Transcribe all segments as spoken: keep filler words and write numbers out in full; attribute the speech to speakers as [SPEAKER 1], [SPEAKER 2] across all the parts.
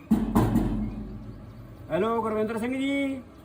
[SPEAKER 1] Hello Gurvinder Singh जी,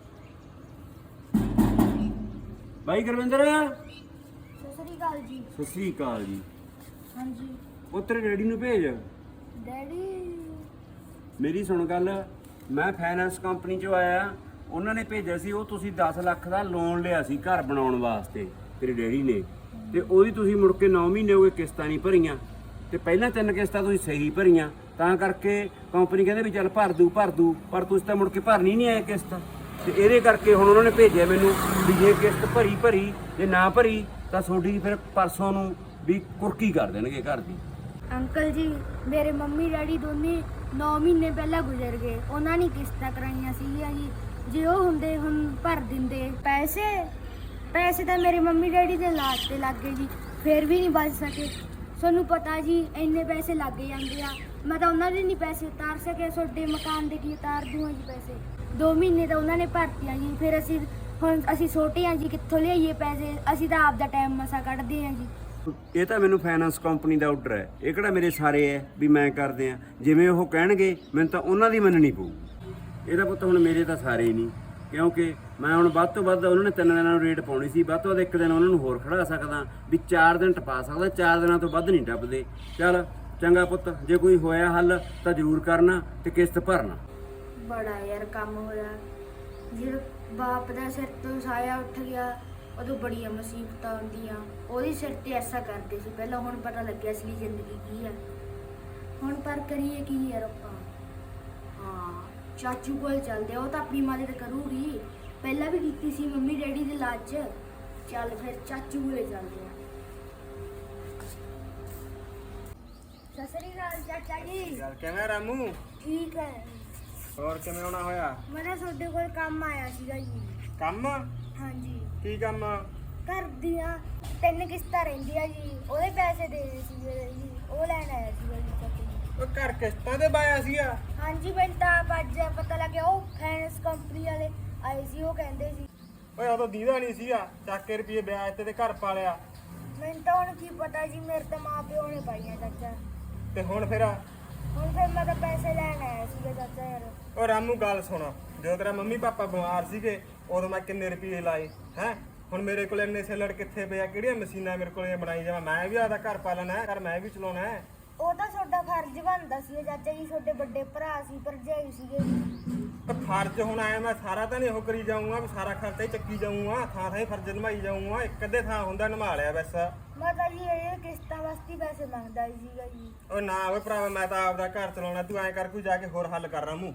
[SPEAKER 1] भाई गुरविंदर।
[SPEAKER 2] ਸਤਿ ਸ੍ਰੀ ਅਕਾਲ ਜੀ।
[SPEAKER 1] सत श्री अकाल जी।
[SPEAKER 2] ਹਾਂਜੀ
[SPEAKER 1] ਉਹ ਤੇਰੇ ਡੈਡੀ ਨੂੰ ਭੇਜ।
[SPEAKER 2] ਡੈਡੀ
[SPEAKER 1] ਮੇਰੀ ਸੁਣ ਗੱਲ, ਮੈਂ ਫਾਈਨੈਂਸ ਕੰਪਨੀ ਚੋਂ ਆਇਆ, ਉਹਨਾਂ ਨੇ ਭੇਜਿਆ ਸੀ। ਉਹ ਤੁਸੀਂ ਦਸ ਲੱਖ ਦਾ ਲੋਨ ਲਿਆ ਸੀ ਘਰ ਬਣਾਉਣ ਵਾਸਤੇ ਤੇਰੇ ਡੈਡੀ ਨੇ, ਤੇ ਉਹਦੀ ਤੁਸੀਂ ਮੁੜ ਕੇ ਨੌ ਮਹੀਨੇ ਹੋ ਗਏ ਕਿਸ਼ਤਾਂ ਨਹੀਂ ਭਰੀਆਂ, ਤੇ ਪਹਿਲਾਂ ਤਿੰਨ ਕਿਸ਼ਤਾਂ ਤੁਸੀਂ ਸਹੀ ਭਰੀਆਂ, ਤਾਂ ਕਰਕੇ ਕੰਪਨੀ ਕਹਿੰਦੇ ਵੀ ਚੱਲ ਭਰ ਦੂ ਭਰ ਦੂ ਪਰ ਤੁਸੀਂ ਤਾਂ ਮੁੜ ਕੇ ਭਰਨੀ ਨਹੀਂ ਆਏ ਕਿਸ਼ਤ। ਤੇ ਇਹਦੇ ਕਰਕੇ ਹੁਣ ਉਹਨਾਂ ਨੇ ਭੇਜਿਆ ਮੈਨੂੰ ਵੀ ਜੇ ਕਿਸ਼ਤ ਭਰੀ ਭਰੀ, ਜੇ ਨਾ ਭਰੀ ਤਾਂ ਤੁਹਾਡੀ ਫਿਰ ਪਰਸੋਂ ਨੂੰ ਵੀ ਕੁਰਕੀ ਕਰ ਦੇਣਗੇ ਘਰ ਦੀ।
[SPEAKER 2] ਅੰਕਲ ਜੀ, ਮੇਰੇ ਮੰਮੀ ਡੈਡੀ ਦੋਨੇ ਨੌ ਮਹੀਨੇ ਪਹਿਲਾਂ ਗੁਜ਼ਰ ਗਏ। ਉਹਨਾਂ ਨੇ ਕਿਸ਼ਤਾਂ ਕਰਾਈਆਂ ਸੀਗੀਆਂ ਜੀ। ਜੇ ਉਹ ਹੁੰਦੇ ਹੁਣ ਭਰ ਦਿੰਦੇ ਪੈਸੇ ਪੈਸੇ ਤਾਂ ਮੇਰੇ ਮੰਮੀ ਡੈਡੀ ਦੇ ਲਾਜ ਤੇ ਲੱਗ ਗਏ ਜੀ, ਫਿਰ ਵੀ ਨਹੀਂ ਬਚ ਸਕੇ। ਤੁਹਾਨੂੰ ਪਤਾ ਜੀ ਇੰਨੇ ਪੈਸੇ ਲੱਗ ਜਾਂਦੇ ਆ, ਮੈਂ ਤਾਂ ਉਹਨਾਂ ਦੇ ਨਹੀਂ ਪੈਸੇ ਉਤਾਰ ਸਕਿਆ, ਤੁਹਾਡੇ ਮਕਾਨ ਦੇ ਕੀ ਉਤਾਰ ਦੂੰਗਾ ਜੀ ਪੈਸੇ। ਦੋ ਮਹੀਨੇ ਤਾਂ ਉਹਨਾਂ ਨੇ ਭਰਤੀਆਂ ਜੀ, ਫਿਰ ਅਸੀਂ ਹੁਣ ਅਸੀਂ ਛੋਟੇ ਆ ਜੀ, ਕਿੱਥੋਂ ਲਿਆਈਏ ਪੈਸੇ? ਅਸੀਂ ਤਾਂ ਆਪ ਦਾ ਟਾਈਮ ਮਸਾ ਕੱਢਦੇ ਆ ਜੀ।
[SPEAKER 1] ਇਹ ਤਾਂ ਮੈਨੂੰ ਫਾਈਨੈਂਸ ਕੰਪਨੀ ਦਾ ਆਰਡਰ ਹੈ, ਇਹ ਕਿਹੜਾ ਮੇਰੇ ਸਾਰੇ ਹੈ ਵੀ ਮੈਂ ਕਰਦੇ ਆ। ਜਿਵੇਂ ਉਹ ਕਹਿਣਗੇ ਮੈਨੂੰ ਤਾਂ ਉਹਨਾਂ ਦੀ ਮੰਨਣੀ ਪਊ। ਇਹਦਾ ਪੁੱਤ ਹੁਣ ਮੇਰੇ ਤਾਂ ਸਾਰੇ ਹੀ ਨਹੀਂ, ਕਿਉਂਕਿ ਮੈਂ ਹੁਣ ਵੱਧ ਤੋਂ ਵੱਧ ਉਹਨਾਂ ਨੇ ਤਿੰਨ ਦਿਨਾਂ ਨੂੰ ਰੇਟ ਪਾਉਣੀ ਸੀ, ਵੱਧ ਤੋਂ ਵੱਧ ਇੱਕ ਦਿਨ ਉਹਨਾਂ ਨੂੰ ਹੋਰ ਖੜਾ ਸਕਦਾ ਵੀ ਚਾਰ ਦਿਨ ਟਪਾ ਸਕਦਾ, ਚਾਰ ਦਿਨਾਂ ਤੋਂ ਵੱਧ ਨਹੀਂ ਟੱਪਦੇ। ਚੱਲ ਚੰਗਾ ਪੁੱਤ, ਜੇ ਕੋਈ ਹੋਇਆ ਹੱਲ ਤਾਂ ਜ਼ਰੂਰ ਕਰਨਾ ਤੇ ਕਿਸ਼ਤ ਭਰਨਾ।
[SPEAKER 2] ਬੜਾ ਯਾਰ ਕੰਮ ਹੋਇਆ, ਜੇ ਬਾਪ ਦਾ ਸਿਰ ਤੋਂ ਸਾਇਆ ਉੱਠ ਗਿਆ ਉਦੋਂ ਬੜੀਆਂ ਮੁਸੀਬਤਾਂ ਆਉਂਦੀਆਂ। ਉਹਦੇ ਸਿਰ ਤੇ ਐਸਾ ਕਰਦੇ ਸੀ ਪਹਿਲਾਂ, ਹੁਣ ਪਤਾ ਲੱਗਿਆ ਅਸਲੀ ਜ਼ਿੰਦਗੀ ਕੀ ਆ। ਹੁਣ ਪਰ ਕਰੀਏ ਕੀ ਯਾਰ ਆਪਾਂ? ਹਾਂ, ਚਾਚੂ ਕੋਲ ਚੱਲਦੇ ਆ, ਉਹ ਤਾਂ ਆਪਣੀ ਮਦਦ ਕਰੂਗੀ। ਪਹਿਲਾਂ ਵੀ ਕੀਤੀ ਸੀ ਮੰਮੀ ਡੈਡੀ ਦੇ ਇਲਾਜ 'ਚ। ਚੱਲ ਫਿਰ ਚਾਚੂ ਕੋਲੇ ਚੱਲਦੇ ਆ। ਸਤਿ ਸ੍ਰੀ ਅਕਾਲ ਚਾਚਾ ਜੀ।
[SPEAKER 3] ਚੱਲ ਕਿਵੇਂ ਰਾਮੂ?
[SPEAKER 2] ਠੀਕ ਹੈ।
[SPEAKER 3] ਹੋਰ ਕਿਵੇਂ ਆਉਣਾ ਹੋਇਆ?
[SPEAKER 2] ਮੈਂ ਨਾ ਤੁਹਾਡੇ ਕੋਲ ਕੰਮ ਆਇਆ ਸੀਗਾ ਜੀ।
[SPEAKER 3] ਕੰਮ?
[SPEAKER 2] ਹਾਂਜੀ,
[SPEAKER 3] ਕੀ ਕੰਮ?
[SPEAKER 2] ਘਰ ਦੀਆਂ ਤਿੰਨ ਕਿਸ਼ਤਾਂ ਰਹਿੰਦੀਆਂ ਜੀ, ਉਹਦੇ ਪੈਸੇ ਦੇਣੇ ਸੀਗੇ ਜੀ, ਉਹ ਲੈਣ ਆਇਆ ਸੀਗਾ ਜੀ ਚਾਚਾ ਜੀ।
[SPEAKER 3] ਉਹ ਘਰ ਕਿਸ਼ਤਾਂ ਤੇ ਪਾਇਆ ਸੀਗਾ?
[SPEAKER 2] ਹਾਂਜੀ, ਮੈਨੂੰ ਤਾਂ ਆਪ ਅੱਜ ਪਤਾ ਲੱਗਿਆ। ਉਹ ਫਾਈਨੈਂਸ ਕੰਪਨੀ ਵਾਲੇ ਆਏ ਸੀ, ਉਹ ਕਹਿੰਦੇ ਸੀ।
[SPEAKER 3] ਓਏ ਉਦੋਂ ਦੀਦਾ ਨਹੀਂ ਸੀਗਾ, ਚੱਕ ਕੇ ਰੁਪਏ ਵਿਆਜ ਤੇ ਤੇ ਘਰ ਪਾ ਲਿਆ।
[SPEAKER 2] ਮੈਨੂੰ ਤਾਂ ਹੁਣ ਕੀ ਪਤਾ ਜੀ, ਮੇਰੇ ਤਾਂ ਮਾਂ ਪਿਓ ਨੇ ਪਾਈਆਂ ਚਾਚਾ।
[SPEAKER 3] ਤੇ ਹੁਣ ਫਿਰ?
[SPEAKER 2] ਹੁਣ ਫਿਰ ਮੈਂ ਤਾਂ ਪੈਸੇ ਲੈਣ ਆਇਆ ਸੀਗਾ ਚਾਚਾ ਯਾਰ।
[SPEAKER 3] ਓ ਰਾਮੂ ਗੱਲ ਸੁਣ, ਜਦੋਂ ਤੇਰਾ ਮੰਮੀ ਪਾਪਾ ਬਿਮਾਰ ਸੀਗੇ ਉਦੋਂ ਮੈਂ ਕਿੰਨੇ ਰੁਪਏ ਲਾਏ ਹੈ। ਹੁਣ ਮੇਰੇ ਕੋਲ ਇੰਨੇ ਸਿਲੜ ਕਿੱਥੇ ਪਿਆ? ਕਿਹੜੀਆਂ ਮਸ਼ੀਨਾਂ ਮੇਰੇ ਕੋਲ ਬਣਾਈ ਜਾਵਾਂ? ਮੈਂ ਵੀ ਆਦਾ ਘਰ ਪਾਲਣਾ ਹੈ, ਘਰ ਮੈਂ ਵੀ ਚਲਾਉਣਾ ਹੈ।
[SPEAKER 2] ਉਹ ਤਾਂ ਤੁਹਾਡਾ ਫਰਜ਼ ਬਣਦਾ ਸੀ ਚਾਚਾ ਜੀ, ਤੁਹਾਡੇ ਵੱਡੇ ਭਰਾ ਸੀ, ਭਰਜਾਈ ਸੀਗੇ ਜੀ।
[SPEAKER 3] ਤੇ ਫਰਜ਼ ਹੁਣ ਆਇਆ, ਮੈਂ ਸਾਰਾ ਤਾਂ ਨਹੀਂ ਉਹ ਕਰੀ ਜਾਊਂਗਾ ਵੀ ਸਾਰਾ ਖਰਚਾ ਹੀ ਚੱਕੀ ਜਾਊਂਗਾ, ਥਾਂ ਥਾਂ ਹੀ ਫਰਜ਼ ਨਿਭਾਈ ਜਾਊਂਗਾ। ਇੱਕ ਅੱਧੇ ਥਾਂ ਹੁੰਦਾ ਨਿਭਾ ਲਿਆ ਬਸ।
[SPEAKER 2] ਮੈਂ ਤਾਂ ਜੀ ਇਹ ਕਿਸ਼ਤਾਂ ਵਾਸਤੇ ਪੈਸੇ ਮੰਗਦਾ ਹੀ ਸੀਗਾ ਜੀ।
[SPEAKER 3] ਓ ਨਾ ਓਏ ਭਰਾਵਾ, ਮੈਂ ਤਾਂ ਆਪਦਾ ਘਰ ਚਲਾਉਣਾ, ਤੂੰ ਐਂ ਕਰ ਕੋਈ ਜਾ ਕੇ ਹੋਰ ਹੱਲ ਕਰ ਰਾਮੂ।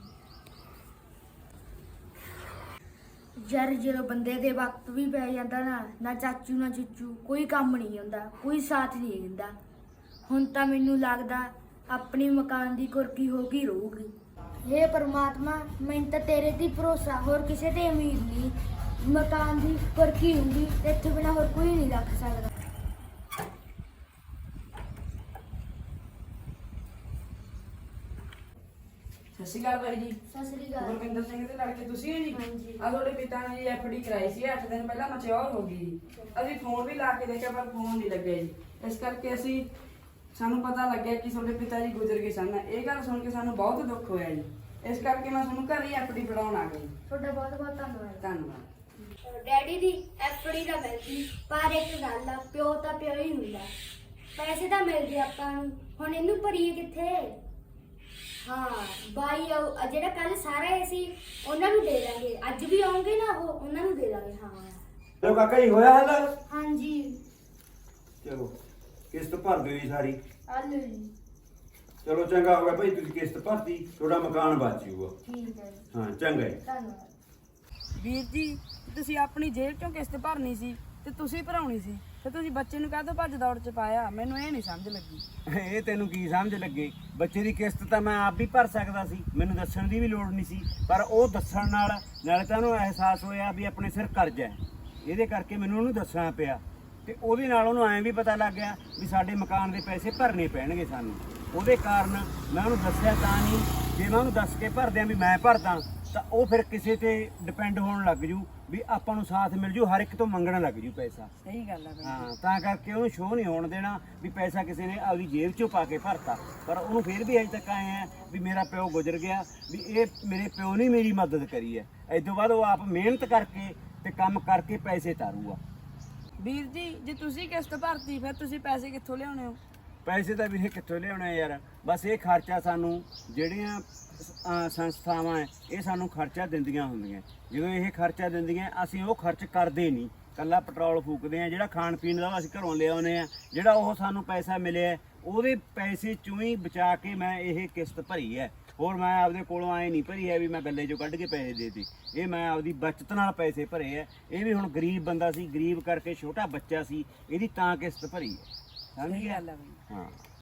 [SPEAKER 2] ਯਾਰ ਜਦੋਂ ਬੰਦੇ ਦੇ ਵਕਤ ਵੀ ਪੈ ਜਾਂਦਾ ਨਾ, ਨਾ ਚਾਚੂ ਨਾ ਚੂਚੂ ਕੋਈ ਕੰਮ ਨਹੀਂ ਹੁੰਦਾ, ਕੋਈ ਸਾਥ ਨਹੀਂ ਦਿੰਦਾ। ਹੁਣ ਤਾਂ ਮੈਨੂੰ ਲੱਗਦਾ ਆਪਣੀ ਮਕਾਨ ਦੀ ਕੁਰਕੀ ਹੋ ਗਈ ਰਹੂਗੀ। ਹੇ ਪਰਮਾਤਮਾ, ਮੈਨੂੰ ਤਾਂ ਤੇਰੇ ਤੇ ਭਰੋਸਾ, ਹੋਰ ਕਿਸੇ ਤੇ ਉਮੀਦ ਨਹੀਂ। ਮਕਾਨ ਦੀ ਕੁਰਕੀ ਹੁੰਦੀ ਤੇ ਇੱਥੇ ਬਿਨਾਂ ਹੋਰ ਕੋਈ ਨਹੀਂ ਰੱਖ ਸਕਦਾ।
[SPEAKER 4] ਸਤਿ ਸ਼੍ਰੀ ਅਕਾਲ ਬਾਈ ਜੀ।
[SPEAKER 2] ਸਤਿ ਸ੍ਰੀ ਅਕਾਲ।
[SPEAKER 4] ਗੁਰਵਿੰਦਰ ਸਿੰਘ ਦੇ ਲੜਕੇ ਤੁਸੀਂ ਹੋ ਜੀ?
[SPEAKER 2] ਹਾਂਜੀ।
[SPEAKER 4] ਆ ਤੁਹਾਡੇ ਪਿਤਾ ਨੇ ਜੀ ਐਫ ਡੀ ਕਰਾਈ ਸੀ, ਅੱਠ ਦਿਨ ਪਹਿਲਾਂ ਮੈਚਿਓਰ ਹੋ ਗਈ ਜੀ। ਅਸੀਂ ਫੋਨ ਵੀ ਲਾ ਕੇ ਦੇਖਿਆ ਪਰ ਫੋਨ ਨਹੀਂ ਲੱਗਿਆ ਜੀ। ਇਸ ਕਰਕੇ ਅਸੀਂ ਸਾਨੂੰ ਪਤਾ ਲੱਗਿਆ ਕਿ ਤੁਹਾਡੇ ਪਿਤਾ ਜੀ ਗੁਜ਼ਰ ਗਏ ਸਨ। ਇਹ ਗੱਲ ਸੁਣ ਕੇ ਸਾਨੂੰ ਬਹੁਤ ਦੁੱਖ ਹੋਇਆ ਜੀ। ਇਸ ਕਰਕੇ ਮੈਂ ਤੁਹਾਨੂੰ ਘਰ ਹੀ ਐਫ ਡੀ ਫੜਾਉਣ ਆ ਗਈ।
[SPEAKER 2] ਤੁਹਾਡਾ ਬਹੁਤ ਬਹੁਤ ਧੰਨਵਾਦ।
[SPEAKER 4] ਧੰਨਵਾਦ।
[SPEAKER 2] ਡੈਡੀ ਦੀ ਐਫਡੀ ਤਾਂ ਮਿਲਦੀ, ਪਰ ਇੱਕ ਗੱਲ ਆ, ਪਿਓ ਤਾਂ ਪਿਓ ਹੀ ਹੁੰਦਾ। ਪੈਸੇ ਤਾਂ ਮਿਲ ਗਏ ਆਪਾਂ ਨੂੰ, ਹੁਣ ਇਹਨੂੰ ਭਰੀਏ ਕਿੱਥੇ? ਹਾਂ, ਬਾਈ ਆਊ- ਜਿਹੜਾ ਕੱਲ ਸਾਰੇ ਆਏ ਸੀ ਉਹਨਾਂ ਨੂੰ ਦੇ ਦਾਂਗੇ, ਅੱਜ ਵੀ ਆਉਂਗੇ ਨਾ ਉਹ, ਉਹਨਾਂ ਨੂੰ ਦੇ ਦਾਂਗੇ। ਹਾਂ
[SPEAKER 1] ਚਲੋ ਕਾਕਾ ਜੀ, ਹੋਇਆ ਹੱਲ?
[SPEAKER 2] ਹਾਂਜੀ,
[SPEAKER 1] ਚਲੋ ਕਿਸ਼ਤ ਭਰ ਦਿਓ ਜੀ ਸਾਰੀ।
[SPEAKER 2] ਆਲੂ ਜੀ।
[SPEAKER 1] ਚਲੋ ਚੰਗਾ ਹੋ ਗਿਆ ਭਾਈ, ਤੁਸੀਂ ਕਿਸ਼ਤ ਭਰਤੀ, ਤੁਹਾਡਾ ਮਕਾਨ ਬਚ ਜਾਊਗਾ।
[SPEAKER 2] ਠੀਕ ਹੈ ਜੀ,
[SPEAKER 1] ਹਾਂ ਚੰਗਾ ਜੀ।
[SPEAKER 2] ਧੰਨਵਾਦ।
[SPEAKER 4] ਵੀਰ ਜੀ, ਤੁਸੀਂ ਆਪਣੀ ਜੇਬ ਚੋਂ ਕਿਸ਼ਤ ਭਰਨੀ ਸੀ ਤੇ ਤੁਸੀਂ ਭਰਾਉਣੀ ਸੀ, ਤੇ ਤੁਸੀਂ ਬੱਚੇ ਨੂੰ ਕਾਹਤੋਂ ਭੱਜ ਦੌੜ ਚ ਪਾਇਆ? ਮੈਨੂੰ ਇਹ ਨਹੀਂ ਸਮਝ ਲੱਗੀ।
[SPEAKER 1] ਇਹ ਤੈਨੂੰ ਕੀ ਸਮਝ ਲੱਗੇ? ਬੱਚੇ ਦੀ ਕਿਸ਼ਤ ਤਾਂ ਮੈਂ ਆਪ ਵੀ ਭਰ ਸਕਦਾ ਸੀ, ਮੈਨੂੰ ਦੱਸਣ ਦੀ ਵੀ ਲੋੜ ਨਹੀਂ ਸੀ, ਪਰ ਉਹ ਦੱਸਣ ਨਾਲ ਨਾਲੇ ਤਾਂ ਉਹਨੂੰ ਅਹਿਸਾਸ ਹੋਇਆ ਵੀ ਆਪਣੇ ਸਿਰ ਕਰਜ਼ਾ ਹੈ, ਇਹਦੇ ਕਰਕੇ ਮੈਨੂੰ ਉਹਨੂੰ ਦੱਸਣਾ ਪਿਆ। ਤੇ ਉਹਦੇ ਨਾਲ ਉਹਨੂੰ ਐਂ ਵੀ ਪਤਾ ਲੱਗ ਗਿਆ ਵੀ ਸਾਡੇ ਮਕਾਨ ਦੇ ਪੈਸੇ ਭਰਨੇ ਪੈਣਗੇ ਸਾਨੂੰ। ਉਹਦੇ ਕਾਰਨ ਮੈਂ ਉਹਨੂੰ ਦੱਸਿਆ ਤਾਂ ਨਹੀਂ, ਜੇ ਮੈਂ ਉਹਨੂੰ ਦੱਸ ਕੇ ਭਰਦਿਆਂ ਵੀ ਮੈਂ ਭਰਦਾ ਤਾਂ ਉਹ ਫਿਰ ਕਿਸੇ ਤੇ ਡਿਪੈਂਡ ਹੋਣ ਲੱਗ ਜੂ, ਵੀ ਆਪਾਂ ਨੂੰ ਸਾਥ ਮਿਲ ਜੂ, ਹਰ ਇੱਕ ਤੋਂ ਮੰਗਣ ਲੱਗ ਜੂ ਪੈਸਾ।
[SPEAKER 4] ਸਹੀ ਗੱਲ ਆ ਬਈ।
[SPEAKER 1] ਹਾਂ, ਤਾਂ ਕਰਕੇ ਉਹਨੂੰ ਸ਼ੋਅ ਨਹੀਂ ਹੋਣ ਦੇਣਾ ਵੀ ਪੈਸਾ ਕਿਸੇ ਨੇ ਆਪਦੀ ਜੇਬ 'ਚੋਂ ਪਾ ਕੇ ਭਰਤਾ, ਪਰ ਉਹਨੂੰ ਫਿਰ ਵੀ ਅਜੇ ਤੱਕ ਆਏ ਆ ਵੀ ਮੇਰਾ ਪਿਓ ਗੁਜ਼ਰ ਗਿਆ, ਵੀ ਇਹ ਮੇਰੇ ਪਿਓ ਨੇ ਮੇਰੀ ਮਦਦ ਕਰੀ ਹੈ। ਇਸ ਤੋਂ ਬਾਅਦ ਉਹ ਆਪ ਮਿਹਨਤ ਕਰਕੇ ਤੇ ਕੰਮ ਕਰਕੇ ਪੈਸੇ ਤਾਰੂਗਾ।
[SPEAKER 4] ਵੀਰ ਜੀ ਜੇ ਤੁਸੀਂ ਕਿਸ਼ਤ ਭਰਤੀ ਫਿਰ ਤੁਸੀਂ ਪੈਸੇ ਕਿੱਥੋਂ ਲਿਆਉਣੇ ਹੋ?
[SPEAKER 1] ਪੈਸੇ ਤਾਂ ਵੀਰੇ ਕਿੱਥੋਂ ਲਿਆਉਣੇ ਯਾਰ, ਬਸ ਇਹ ਖਰਚਾ ਸਾਨੂੰ ਜਿਹੜੀਆਂ ਅਹ, ਸੰਸਥਾਵਾਂ ਹੈ ਇਹ ਸਾਨੂੰ ਖਰਚਾ ਦਿੰਦੀਆਂ ਹੁੰਦੀਆਂ। ਜਦੋਂ ਇਹ ਖਰਚਾ ਦਿੰਦੀਆਂ ਅਸੀਂ ਉਹ ਖਰਚ ਕਰਦੇ ਨਹੀਂ, ਕੱਲਾ ਪੈਟਰੋਲ ਫੂਕਦੇ ਆ। ਜਿਹੜਾ ਖਾਣ ਪੀਣ ਦਾ ਅਸੀਂ ਘਰੋਂ ਲਿਆਉਂਦੇ ਆ, ਜਿਹੜਾ ਉਹ ਸਾਨੂੰ ਪੈਸਾ ਮਿਲਿਆ ਉਹਦੇ ਪੈਸੇ ਚੋਂ ਹੀ ਬਚਾ ਕੇ ਮੈਂ ਇਹ ਕਿਸ਼ਤ ਭਰੀ ਹੈ। ਹੋਰ ਮੈਂ ਆਪਦੇ ਕੋਲੋਂ ਆਏ ਨਹੀਂ ਭਰੀ ਹੈ ਵੀ ਮੈਂ ਗੱਲੇ 'ਚੋਂ ਕੱਢ ਕੇ ਪੈਸੇ ਦੇ ਦਿੱਤੇ। ਇਹ ਮੈਂ ਆਪਦੀ ਬਚਤ ਨਾਲ ਪੈਸੇ ਭਰੇ ਹੈ। ਇਹ ਵੀ ਹੁਣ ਗਰੀਬ ਬੰਦਾ ਸੀ, ਗਰੀਬ ਕਰਕੇ ਛੋਟਾ ਬੱਚਾ ਸੀ, ਇਹਦੀ ਤਾਂ ਕਿਸ਼ਤ ਭਰੀ ਹੈ। ਸਮਝ
[SPEAKER 4] ਸਹੀ
[SPEAKER 1] ਗਿਆ?
[SPEAKER 4] ਗੱਲ ਆ ਬਈ।
[SPEAKER 1] ਹਾਂ।